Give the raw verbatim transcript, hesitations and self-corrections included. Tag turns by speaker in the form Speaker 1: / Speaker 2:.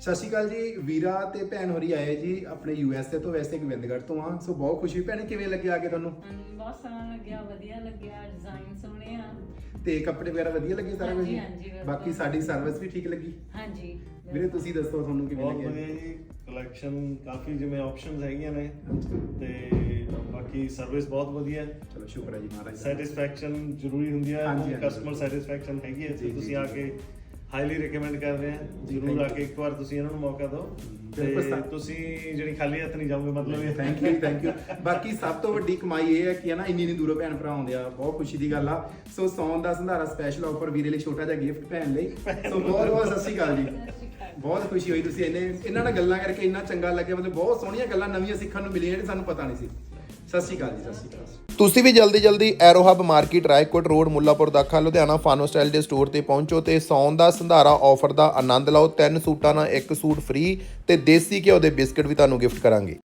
Speaker 1: ਸਤਿ ਸ਼੍ਰੀ ਅਕਾਲ ਜੀ। ਵੀਰਾ ਤੇ ਭੈਣ ਹੋਰੀ ਆਏ ਜੀ ਆਪਣੇ ਯੂ ਐਸ ਏ ਤੋਂ, ਵੈਸੇ ਗੋਬਿੰਦਗੜ੍ਹ ਤੋਂ ਆ। ਸੋ ਬਹੁਤ ਖੁਸ਼ੀ। ਭੈਣੇ ਕਿਵੇਂ ਲੱਗਿਆ ਆ ਕੇ ਤੁਹਾਨੂੰ?
Speaker 2: ਹਾਂਜੀ, ਬਹੁਤ ਸੋਹਣਾ ਲੱਗਿਆ, ਵਧੀਆ ਲੱਗਿਆ, ਡਿਜ਼ਾਈਨ ਸੋਹਣੇ ਆ
Speaker 1: ਤੇ ਕੱਪੜੇ ਵਗੈਰਾ ਵਧੀਆ ਲੱਗੇ ਸਾਰਾ ਕੁਝ?
Speaker 2: ਹਾਂਜੀ, ਹਾਂਜੀ, ਬਿਲਕੁਲ।
Speaker 1: ਬਾਕੀ ਸਾਡੀ ਸਰਵਿਸ ਵੀ ਠੀਕ ਲੱਗੀ?
Speaker 2: ਹਾਂਜੀ
Speaker 1: ਵੀਰੇ ਤੁਸੀਂ ਦੱਸੋ ਤੁਹਾਨੂੰ ਕਿਵੇਂ
Speaker 3: ਬਹੁਤ
Speaker 1: ਲੱਗਿਆ?
Speaker 3: ਵਧੀਆ ਜੀ। ਕਲੈਕਸ਼ਨ ਕਾਫੀ ਜਿਵੇਂ ਆਪਸ਼ਨਸ ਹੈਗੀਆਂ ਨੇ ਤੇ ਬਾਕੀ ਸਰਵਿਸ ਬਹੁਤ ਵਧੀਆ।
Speaker 1: ਚਲੋ ਸ਼ੁਕਰ ਹੈ ਜੀ ਮਹਾਰਾਜ ਦਾ।
Speaker 3: ਸੈਟੀਸਫੈਕਸ਼ਨ ਜ਼ਰੂਰੀ ਹੁੰਦੀ ਹੈ,
Speaker 1: ਹਾਂਜੀ, ਹਾਂਜੀ,
Speaker 3: ਕਸਟਮਰ ਸੈਟੀਸਫੈਕਸ਼ਨ ਹੈਗੀ ਹੈ
Speaker 1: ਜੀ,
Speaker 3: ਤੇ
Speaker 1: ਜੀ,
Speaker 3: ਤੁਸੀਂ ਆ
Speaker 1: ਜੀ।
Speaker 3: ਕੇ ਹਾਈਲੀ ਰეკਮੈਂਡ ਕਰਦੇ ਆ।
Speaker 1: ਜੀ,
Speaker 3: ਜ਼ਰੂਰ
Speaker 1: thank
Speaker 3: ਆ
Speaker 1: you।
Speaker 3: ਕੇ ਇੱਕ ਵਾਰ ਤੁਸੀਂ ਇਹਨਾਂ ਨੂੰ ਮੌਕਾ ਦਿਓ
Speaker 1: ਬਿਲਕੁਲ
Speaker 3: ਤੇ
Speaker 1: ਸਰ।
Speaker 3: ਤੁਸੀਂ ਜਿਹੜੀ ਖਾਲੀ ਹੱਥ ਨਹੀਂ ਜਾਓਗੇ, ਮਤਲਬ ਇਹ
Speaker 1: ਥੈਂਕ ਯੂ ਥੈਂਕ ਯੂ। ਬਾਕੀ ਸਭ ਤੋਂ ਵੱਡੀ ਕਮਾਈ ਇਹ ਹੈ ਕਿ ਨਾ ਇੰਨੀ ਇੰਨੀ ਦੂਰੋਂ ਭੈਣ ਭਰਾ ਆਉਂਦੇ ਆ, ਬਹੁਤ ਖੁਸ਼ੀ ਦੀ ਗੱਲ ਆ। ਸੋ ਸੌਣ ਦਾ ਸੰਧਾਰਾ ਸਪੈਸ਼ਲ ਆਫਰ ਵੀਰੇ ਲਈ, ਛੋਟਾ ਜਿਹਾ ਗਿਫਟ ਭੈਣ ਲਈ। ਸੋ ਬਹੁਤ ਬਹੁਤ ਸਤਿ ਸ਼੍ਰੀ ਅਕਾਲ ਜੀ।
Speaker 2: ਸਤਿ ਸ਼੍ਰੀ ਅਕਾਲ।
Speaker 1: ਬਹੁਤ ਖੁਸ਼ੀ ਹੋਈ, ਤੁਸੀਂ ਇਹਨੇ ਇਹਨਾਂ ਨਾਲ ਗੱਲਾਂ ਕਰਕੇ ਇੰਨਾ ਚੰਗਾ ਲੱਗਿਆ। ਮਤਲਬ ਬਹੁਤ ਸੋਹਣੀਆਂ ਗੱਲਾਂ ਨਵੀਆਂ ਸਿੱਖਣ ਨੂੰ ਮਿਲੀਆਂ ਜਿਹੜੇ ਸਾਨੂੰ ਪਤਾ ਨਹੀਂ ਸੀ। ਸਤਿ ਸ਼੍ਰੀ ਅਕਾਲ ਜੀ। ਸਤਿ ਸ਼੍ਰੀ ਅਕਾਲ।
Speaker 4: ਤੁਸੀਂ ਵੀ ਜਲਦੀ ਜਲਦੀ aero hub market, Raikot road, Mullanpur Dakha, Ludhiana Fano style ਦੇ ਸਟੋਰ ਤੇ ਪਹੁੰਚੋ ਤੇ ਸੌਣ ਦਾ ਸੰਧਾਰਾ ਆਫਰ ਦਾ ਆਨੰਦ ਲਓ। ਤਿੰਨ ਸੂਟਾਂ ਨਾਲ ਇੱਕ ਸੂਟ ਫ੍ਰੀ ਤੇ ਦੇਸੀ ਘਿਓ ਦੇ ਬਿਸਕਟ ਵੀ ਤੁਹਾਨੂੰ ਗਿਫਟ ਕਰਾਂਗੇ।